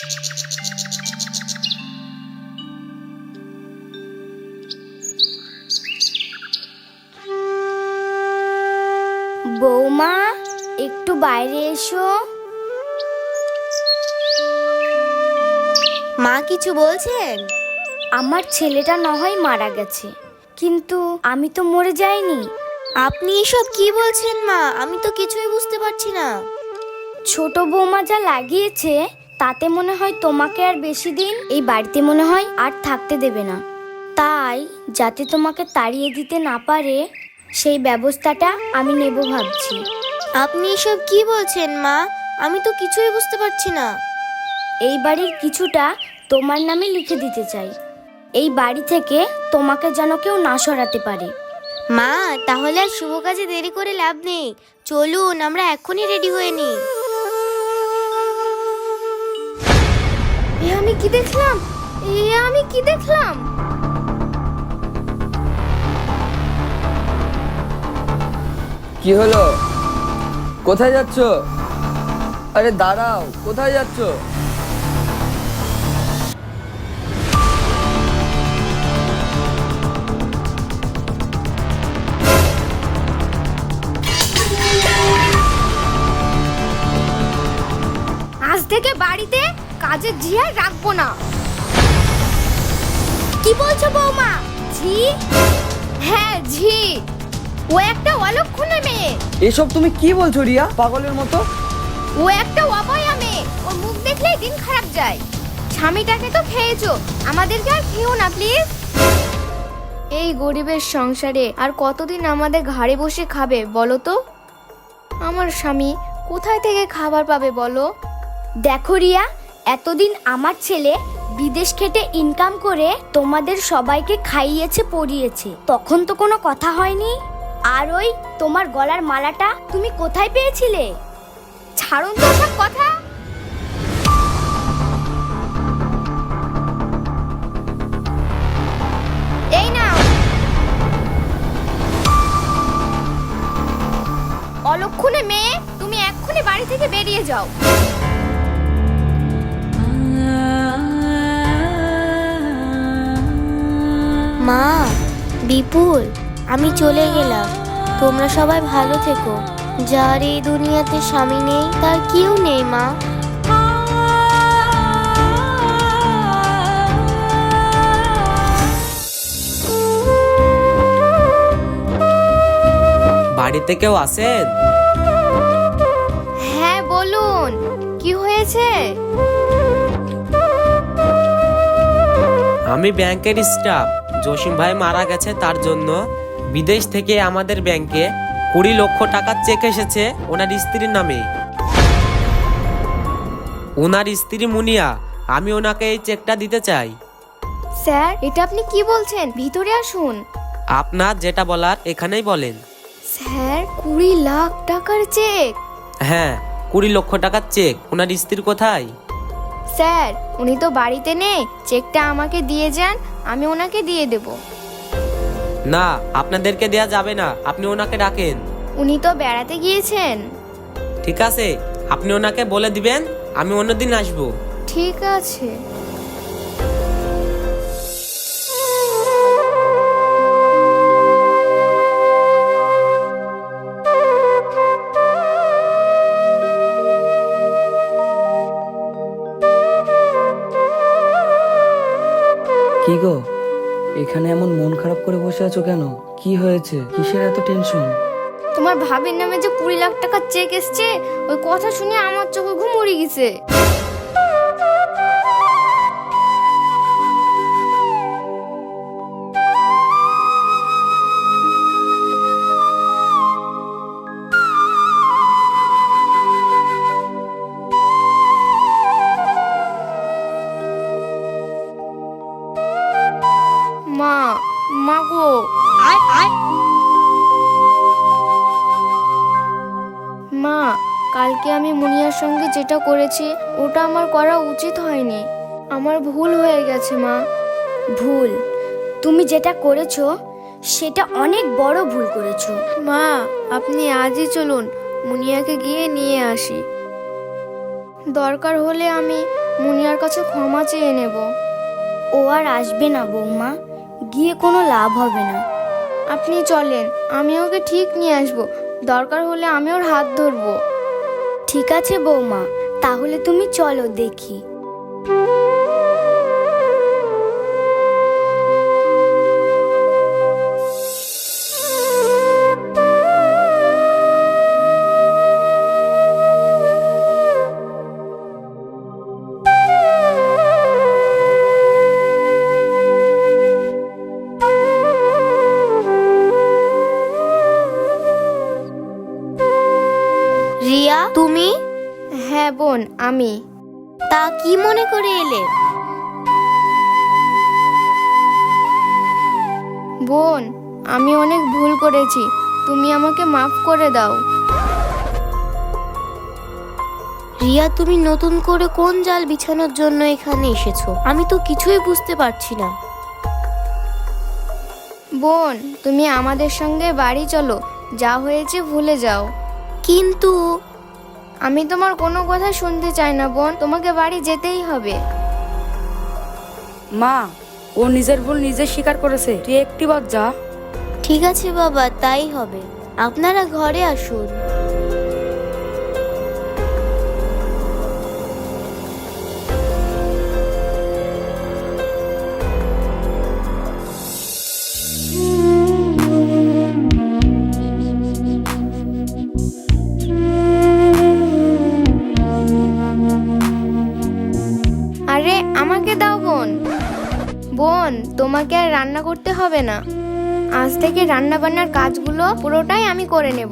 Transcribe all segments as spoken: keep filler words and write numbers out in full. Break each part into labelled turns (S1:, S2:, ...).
S1: বৌমা, একটু বাইরে এসো।
S2: মা কিছু বলছেন?
S1: আমার ছেলেটা না হয় মারা গেছে, কিন্তু আমি তো মরে যাইনি।
S2: আপনি এসব কি বলছেন মা? আমি তো কিছুই বুঝতে পারছি না।
S1: ছোট বৌমা যা লাগিয়েছে তাতে মনে হয় তোমাকে আর বেশি দিন এই বাড়িতে মনে হয় আর থাকতে দেবে না। তাই যাতে তোমাকে তাড়িয়ে দিতে না পারে সেই ব্যবস্থাটা আমি নেব ভাবছি।
S2: আপনি এসব কি বলছেন মা? আমি তো কিছুই বুঝতে পারছি না।
S1: এই বাড়ির কিছুটা তোমার নামে লিখে দিতে চাই, এই বাড়ি থেকে তোমাকে যেন কেউ না সরাতে পারে।
S2: মা, তাহলে আর শুভ কাজে দেরি করে লাভ নেই, চলুন আমরা এখনই রেডি হয়ে নিই।
S1: এ আমি কি দেখলাম? এ আমি কি দেখলাম?
S3: কি হলো? কোথায় যাচ্ছ? আরে দাঁড়াও, কোথায় যাচ্ছ?
S1: আজ থেকে বাড়িতে কাজের ঝি আর রাখবো না। কি বলছো বৌমা? ঝি? হ্যাঁ ঝি, ও একটা অলক্ষণে মেয়ে।
S3: এসব তুমি কি বলছো রিয়া, পাগলের মতো?
S1: ও একটা অবয়া মেয়ে, ওর মুখ দেখলেই দিন খারাপ যায়। স্বামীটাকে তো খেয়েছো, আমাদেরকে আর খেও না প্লিজ। এই গরিবের সংসারে আর কতদিন আমাদের ঘাড়ে বসে খাবে বলো তো? আমার স্বামী কোথায় থেকে খাবার পাবে বলো? দেখো রিয়া, এতদিন আমার ছেলে বিদেশ খেটে ইনকাম করে তোমাদের সবাইকে খাইয়েছে পরিয়েছে, তখন তো কোনো কথা হয়নি। আর ওই তোমার গলার মালাটা তুমি কোথায় পেয়েছিলে? ছাড়ুন তো সব কথা। এই নাও। অলক্ষণে মেয়ে, তুমি এক্ষুনি বাড়ি থেকে বেরিয়ে যাও।
S2: মা, বিপুল, আমি চলে গেলাম, তোমরা সবাই ভালো থেকো। যার এই দুনিয়াতে স্বামী নেই তার কেউ নেই মা।
S4: বাড়িতে কেউ আছেন?
S1: হ্যাঁ বলুন, কি হয়েছে?
S4: আমি ব্যাংকের স্টাফ। জসিম ভাই মারা গেছে, তার জন্য বিদেশ থেকে আমাদের ব্যাংকে কুড়ি লক্ষ টাকার চেক এসেছে ওনার স্ত্রীর নামে। ওনার স্ত্রী মুনিয়া, আমি ওনাকে এই চেকটা দিতে চাই।
S1: স্যার, এটা আপনি কি বলছেন? ভিতরে আসুন।
S4: আপনার যেটা বলার এখানেই বলেন।
S1: স্যার, কুড়ি লাখ টাকার চেক?
S4: হ্যাঁ, কুড়ি লক্ষ টাকার চেক। ওনার স্ত্রী কোথায়?
S1: স্যার, উনি তো বাড়িতে নেই, চেকটা আমাকে দিয়ে যান, আমি ওনাকে দিয়ে দেব।
S4: না, আপনাদেরকে দেয়া যাবে না, আপনি ওনাকে ডাকেন।
S1: উনি তো বেড়াতে গিয়েছেন।
S4: ঠিক আছে, আপনি ওনাকে বলে দিবেন আমি অন্যদিন আসবো।
S1: ঠিক আছে।
S3: কি গো, এখানে এমন মন খারাপ করে বসে আছো কেন? কি হয়েছে? কিসের এত টেনশন?
S1: তোমার ভাবির নামে যে কুড়ি লাখ টাকার চেক এসছে, ওই কথা শুনে আমার চোখে ঘুম উড়ে গেছে। মা, মা গো, আয় আয়। মা, কালকে আমি মুনিয়ার সঙ্গে যেটা করেছি ওটা আমার করা উচিত হয়নি, আমার ভুল হয়ে গেছে মা। ভুল? তুমি যেটা করেছো সেটা অনেক বড় ভুল করেছো। মা, আপনি আজই চলুন, মুনিয়াকে গিয়ে নিয়ে আসি। দরকার হলে আমি মুনিয়ার কাছে ক্ষমা চেয়ে নেব।
S2: ও আর আসবে না বৌমা, গিয়ে কোনো লাভ হবে না।
S1: আপনি চলেন, আমি ওকে ঠিক নিয়ে আসবো। দরকার হলে আমি ওর হাত ধরবো।
S2: ঠিক আছে বৌমা, তাহলে তুমি চলো দেখি। রিয়া, তুমি?
S1: হ্যাঁ বোন, আমি।
S2: তা কি মনে করে এলে?
S1: বোন, আমি অনেক ভুল করেছি, তুমি আমাকে মাফ করে দাও।
S2: রিয়া, তুমি নতুন করে কোন জাল বিছানোর জন্য এখানে এসেছো? আমি তো কিছুই বুঝতে পারছি না।
S1: বোন, তুমি আমাদের সঙ্গে বাড়ি চলো, যা হয়েছে ভুলে যাও।
S2: কিন্তু
S1: আমি তোমার কোনো কথা শুনতে চাই না বোন, তোমাকে বাড়ি যেতেই হবে।
S5: মা, ও নিজের ভুল নিজে স্বীকার করেছে, তুই একটি বার যা।
S2: ঠিক আছে বাবা, তাই হবে। আপনারা ঘরে আসুন।
S1: আরে আমাকে দাও বোন। বোন, তোমাকে আর রান্না করতে হবে না, আজ থেকে রান্না বান্নার কাজগুলো পুরোটাই আমি করে নেব।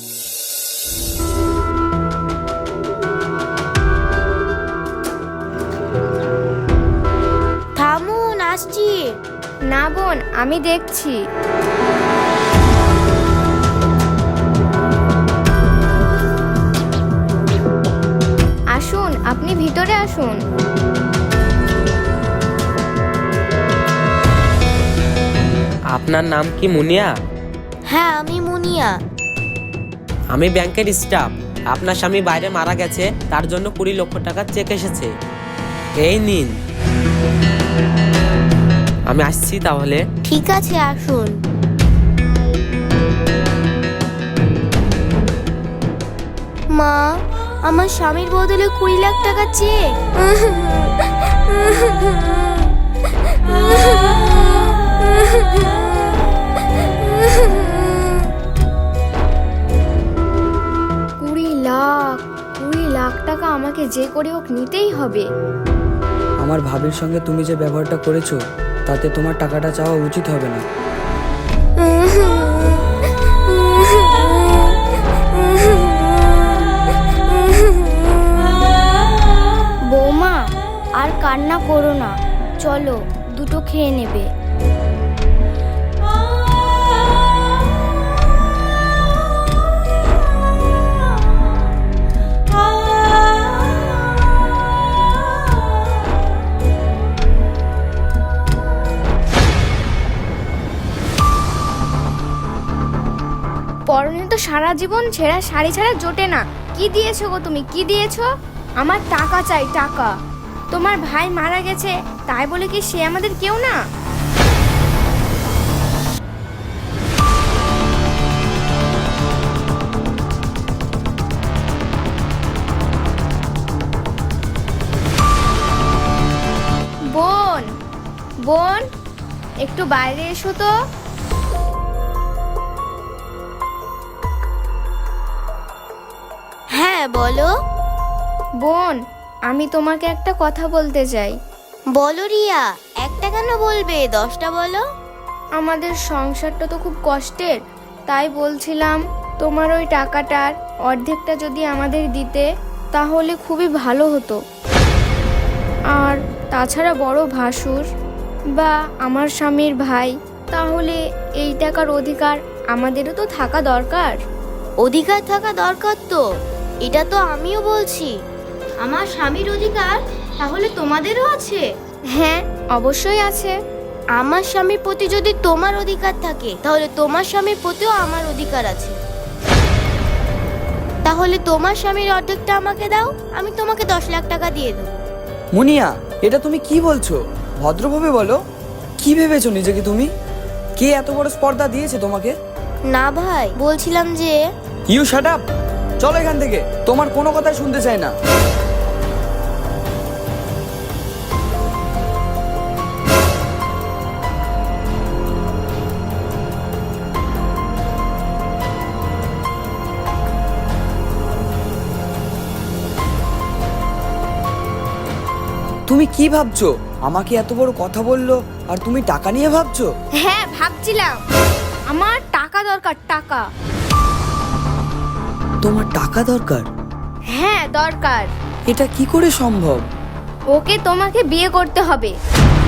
S2: থামুন, আসছি।
S1: না বোন, আমি দেখছি। আসুন, আপনি ভিতরে আসুন।
S4: আপনার নাম কি মুনিয়া?
S2: হ্যাঁ, আমি মুনিয়া।
S4: আমি ব্যাংকের স্টাফ। আপনার স্বামী বাইরে মারা গেছে, তার জন্য কুড়ি লক্ষ টাকার চেক এসেছে। এই নিন। আমি আসছি তাহলে।
S2: ঠিক আছে, আসুন। মা, আমার স্বামীর বদলে কুড়ি লাখ টাকা চেক।
S1: কুড়ি লাখ কুড়ি লাখ টাকা আমাকে যে করে হোক নিতেই হবে।
S3: আমার ভাবির সঙ্গে তুমি যে ব্যবহারটা করেছো, তাতে তোমার টাকাটা চাওয়া উচিত হবে না।
S2: বৌমা, আর কান্না করো না, চলো দুটো খেয়ে নেবে।
S1: পরনে তো সারা জীবন ছেঁড়া শাড়ি ছাড়া জোটে না। কি দিয়েছো গো তুমি, কি দিয়েছো? আমার টাকা চাই, টাকা। তোমার ভাই মারা গেছে, তাই বলে কি সে আমাদের কেউ না? বোন, বোন, একটু বাইরে এসো তো।
S2: হ্যাঁ, বলো।
S1: বোন, আমি তোমাকে একটা কথা বলতে চাই।
S2: বলো রিয়া, একটা কেন বলবে, দশটা বলো।
S1: আমাদের সংসারটা তো খুব কষ্টের, তাই বলছিলাম তোমার ওই টাকাটার অর্ধেকটা যদি আমাদের দিতে তাহলে খুবই ভালো হতো। আর তাছাড়া বড় ভাসুর বা আমার স্বামীর ভাই, তাহলে এই টাকার অধিকার আমাদেরও তো থাকা দরকার।
S2: অধিকার থাকা দরকার তো, এটা তো আমিও বলছি। আমার স্বামীর অধিকার তাহলে তোমাদেরও আছে?
S1: হ্যাঁ, অবশ্যই আছে।
S2: আমার স্বামীর প্রতি যদি তোমার অধিকার থাকে, তাহলে তোমার স্বামীর প্রতিও আমার অধিকার আছে। তাহলে তোমার স্বামীর অর্ধেকটা আমাকে দাও, আমি তোমাকে দশ লাখ টাকা দিয়ে দেবো।
S3: মুনিয়া, এটা তুমি কি বলছো? ভদ্রভাবে বলো। কি ভেবেছো নিজেকে তুমি? কে এত বড় স্পর্ধা দিয়েছে তোমাকে?
S2: না ভাই, বলছিলাম যে
S3: ইউ শাট আপ। চলো এখান থেকে, তোমার কোনো কথাই শুনতে চাই না। তুমি কি ভাবছো? আমাকে এত বড় কথা বললো আর তুমি টাকা নিয়ে ভাবছো?
S1: হ্যাঁ ভাবছিলাম, আমার টাকা দরকার, টাকা।
S3: তোমার টাকা দরকার?
S1: হ্যাঁ দরকার।
S3: এটা কি করে সম্ভব?
S1: ওকে তোমাকে বিয়ে করতে হবে।